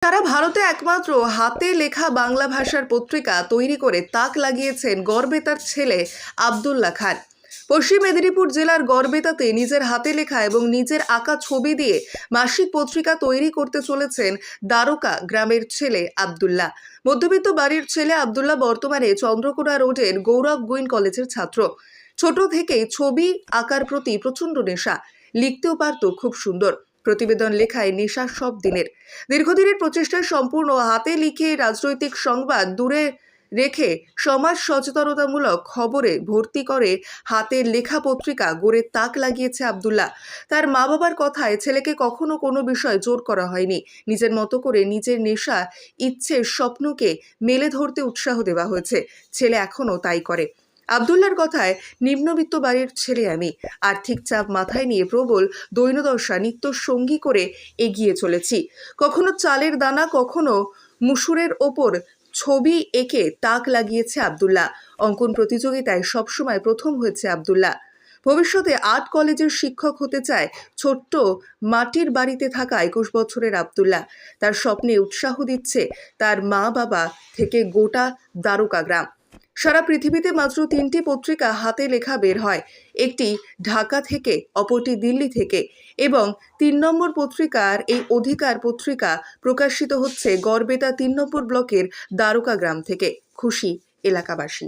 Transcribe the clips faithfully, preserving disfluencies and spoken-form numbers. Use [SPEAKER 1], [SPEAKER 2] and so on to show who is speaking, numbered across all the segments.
[SPEAKER 1] সারা ভারতে একমাত্র হাতে লেখা বাংলা ভাষার পত্রিকা তৈরি করে তাক লাগিয়েছেন গড়বেতার ছেলে আব্দুল্লাহ খান। পশ্চিম মেদিনীপুর জেলার গড়বেতাতে নিজের হাতে লেখা এবং নিজের আঁকা ছবি দিয়ে মাসিক পত্রিকা তৈরি করতে চলেছেন দ্বারকা গ্রামের ছেলে আব্দুল্লাহ। মধ্যবিত্ত বাড়ির ছেলে আব্দুল্লাহ বর্তমানে চন্দ্রকোনা রোডের গৌরব গুইন কলেজের ছাত্র। ছোট থেকেই ছবি আঁকার প্রতি প্রচণ্ড নেশা, লিখতেও পারত খুব সুন্দর। প্রতিবেদন লেখায় নেশা সব দিনের। দীর্ঘদিনের প্রচেষ্টায় সম্পূর্ণ হাতে লিখে রাজনৈতিক সংবাদ দূরে রেখে সমাজ সচেতনতামূলক খবরে ভর্তি করে হাতের লেখা পত্রিকা গড়ে তাক লাগিয়েছে আব্দুল্লাহ। তার মা বাবার কথায় ছেলেকে কখনো কোনো বিষয় জোর করা হয়নি। নিজের মতো করে নিজের নেশা, ইচ্ছের স্বপ্নকে মেলে ধরতে উৎসাহ দেওয়া হয়েছে। ছেলে এখনও তাই করে। আব্দুল্লাহর কথায়, নিম্নবিত্ত বাড়ির ছেলে আমি, আর্থিক চাপ মাথায় নিয়ে প্রবল দৈন্যদশা নিত্য সঙ্গী করে এগিয়ে চলেছি। কখনো চালের দানা, কখনো মুসুরের ওপর ছবি এঁকে তাক লাগিয়েছে আব্দুল্লাহ। অঙ্কন প্রতিযোগিতায় সবসময় প্রথম হয়েছে আব্দুল্লাহ। ভবিষ্যতে আর্ট কলেজের শিক্ষক হতে চায় ছোট্ট মাটির বাড়িতে থাকা একুশ বছরের আব্দুল্লাহ। তার স্বপ্নে উৎসাহ দিচ্ছে তার মা বাবা থেকে গোটা দ্বারকা গ্রাম। সারা পৃথিবীতে মাত্র তিনটি পত্রিকা হাতে লেখা বের হয়, একটি ঢাকা থেকে, অপরটি দিল্লি থেকে, এবং তিন নম্বর পত্রিকার এই অধিকার পত্রিকা প্রকাশিত হচ্ছে গড়বেতা তিন নম্বর ব্লকের দ্বারকা গ্রাম থেকে। খুশি এলাকাবাসী।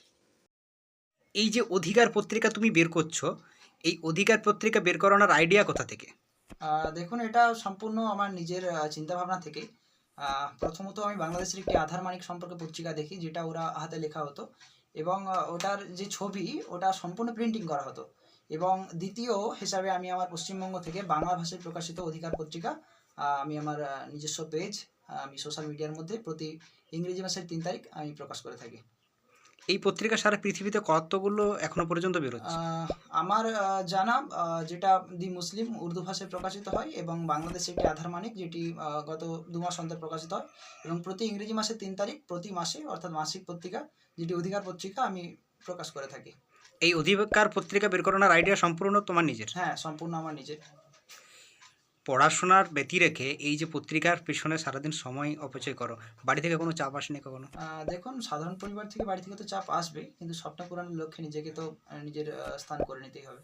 [SPEAKER 2] এই যে অধিকার পত্রিকা তুমি বের করছো, এই অধিকার পত্রিকা বের করানোর আইডিয়া কোথা থেকে?
[SPEAKER 3] আহ, দেখুন, এটা সম্পূর্ণ আমার নিজের চিন্তাভাবনা থেকে। আহ, প্রথমত আমি বাংলাদেশের একটি আধার মানিক সম্পর্কে পত্রিকা দেখি, যেটা ওরা হাতে লেখা হতো, এবং আহ, ওটার যে ছবি ওটা সম্পূর্ণ প্রিন্টিং করা হতো। এবং দ্বিতীয় হিসাবে আমি আমার পশ্চিমবঙ্গ থেকে বাংলা ভাষায় প্রকাশিত অধিকার পত্রিকা আহ, আমি আমার আহ, নিজস্ব পেজ আমি সোশ্যাল মিডিয়ার মধ্যে প্রতি ইংরেজি মাসের তিন তারিখ আমি প্রকাশ করে থাকি।
[SPEAKER 2] এই পত্রিকা সারা পৃথিবীতে কতগুলো এখনো পর্যন্ত বেরোচ্ছে?
[SPEAKER 3] আহ, আমার আহ, জানা আহ, যেটা দি মুসলিম উর্দু ভাষায় প্রকাশিত হয়, এবং বাংলাদেশে একটি আধার মানিক, যেটি আহ, গত দু মাস অন্তর প্রকাশিত হয়, এবং প্রতি ইংরেজি মাসের তিন তারিখ প্রতি মাসে, অর্থাৎ মাসিক পত্রিকা যেটি অধিকার পত্রিকা, আমি প্রকাশ করে থাকি।
[SPEAKER 2] এই অধিকার পত্রিকা বের করানোর আইডিয়া সম্পূর্ণ তোমার নিজের?
[SPEAKER 3] হ্যাঁ, সম্পূর্ণ আমার নিজের।
[SPEAKER 2] পড়াশোনার ব্যতি রেখে এই যে পত্রিকার পেছনে সারাদিন সময় অপচয় করো, বাড়ি থেকে কোনো চাপ আসেনি কখনো?
[SPEAKER 3] আহ, দেখুন, সাধারণ পরিবার থেকে, বাড়ি থেকে তো চাপ আসবে, কিন্তু স্বপ্ন পূরণের লক্ষ্যে নিজেকে তো আহ, নিজের আহ, স্থান করে নিতেই হবে।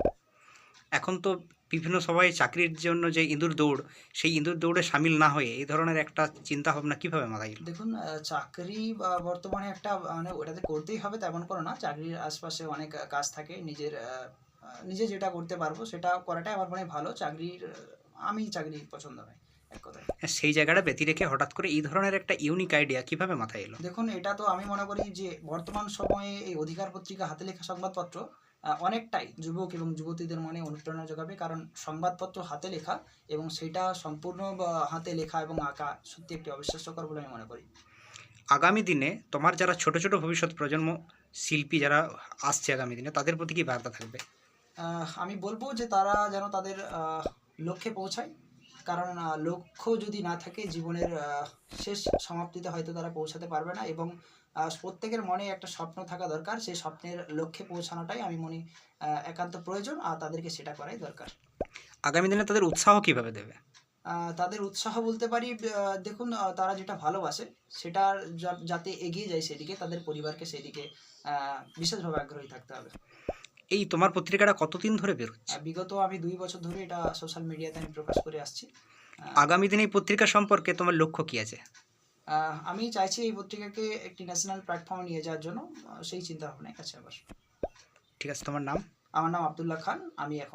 [SPEAKER 2] এখন তো বিভিন্ন সবাই চাকরির জন্য যে ইঁদুর দৌড়, সেই ইঁদুর দৌড়ে সামিল না হয়ে এই ধরনের একটা চিন্তা ভাবনা কিভাবে মাথায় এলো?
[SPEAKER 3] দেখুন, আহ, চাকরি বা বর্তমানে একটা মানে ওটাতে করতেই হবে তেমন কোনো না। চাকরির আশপাশে অনেক আহ, কাজ থাকে। নিজের আহ, আহ, নিজে যেটা করতে পারবো সেটা করাটাই আমার মনে হয় ভালো। চাকরির আহ, আমি চাকরি পছন্দ নয়, এক কথায়।
[SPEAKER 2] হ্যাঁ, সেই জায়গাটা ব্যতি রেখে হঠাৎ করে এই ধরনের একটা ইউনিক আইডিয়া কিভাবে মাথায় এলো?
[SPEAKER 3] দেখুন, এটা তো আমি মনে করি যে বর্তমান সময়ে এই অধিকার পত্রিকা হাতে লেখা সংবাদপত্র আহ, অনেকটাই যুবক এবং যুবতীদের মনে অনুপ্রেরণা যোগাবে, কারণ সংবাদপত্র হাতে লেখা এবং সেটা সম্পূর্ণ বা হাতে লেখা এবং আঁকা সত্যি একটি অবিশ্বাস্যকর বলে আমি মনে করি।
[SPEAKER 2] আগামী দিনে তোমার যারা ছোট ছোট ভবিষ্যৎ প্রজন্ম শিল্পী যারা আসছে আগামী দিনে, তাদের প্রতি কি বার্তা থাকবে?
[SPEAKER 3] আহ, আমি বলবো যে তারা যেন তাদের আহ, লক্ষ্যে পৌঁছায়, কারণ আহ, লক্ষ্য যদি না থাকে, জীবনের আহ, শেষ সমাপ্তিতে হয়তো তারা পৌঁছাতে পারবে না। এবং আহ, প্রত্যেকের মনে একটা স্বপ্ন থাকা দরকার। সেই স্বপ্নের লক্ষ্যে পৌঁছানোটাই আমি মনে আহ, একান্ত প্রয়োজন, আর তাদেরকে সেটা করাই দরকার।
[SPEAKER 2] আগামী দিনে তাদের উৎসাহ কিভাবে দেবে?
[SPEAKER 3] আহ, তাদের উৎসাহ বলতে পারি, আহ, দেখুন, আহ, তারা যেটা ভালোবাসে সেটার যা- যাতে এগিয়ে যায় সেদিকে, তাদের পরিবারকে সেদিকে আহ, বিশেষভাবে আগ্রহী থাকতে হবে।
[SPEAKER 2] এই তোমার পত্রিকাটা কতদিন ধরে বেরোচ্ছে?
[SPEAKER 3] আহ, বিগত আমি দুই বছর ধরে এটা সোশ্যাল মিডিয়াতে আমি প্রকাশ করে আসছি। আহ,
[SPEAKER 2] আগামী দিনে এই পত্রিকা সম্পর্কে তোমার লক্ষ্য কি আছে?
[SPEAKER 3] আহ, আমি চাইছি এই পত্রিকাকে একটি ন্যাশনাল প্ল্যাটফর্মে নিয়ে যাওয়ার জন্য। আহ, সেই চিন্তা ভাবনাই আছে আবার।
[SPEAKER 2] ঠিক আছে, তোমার নাম?
[SPEAKER 3] আমার নাম আব্দুল্লাহ খান। আমি এখন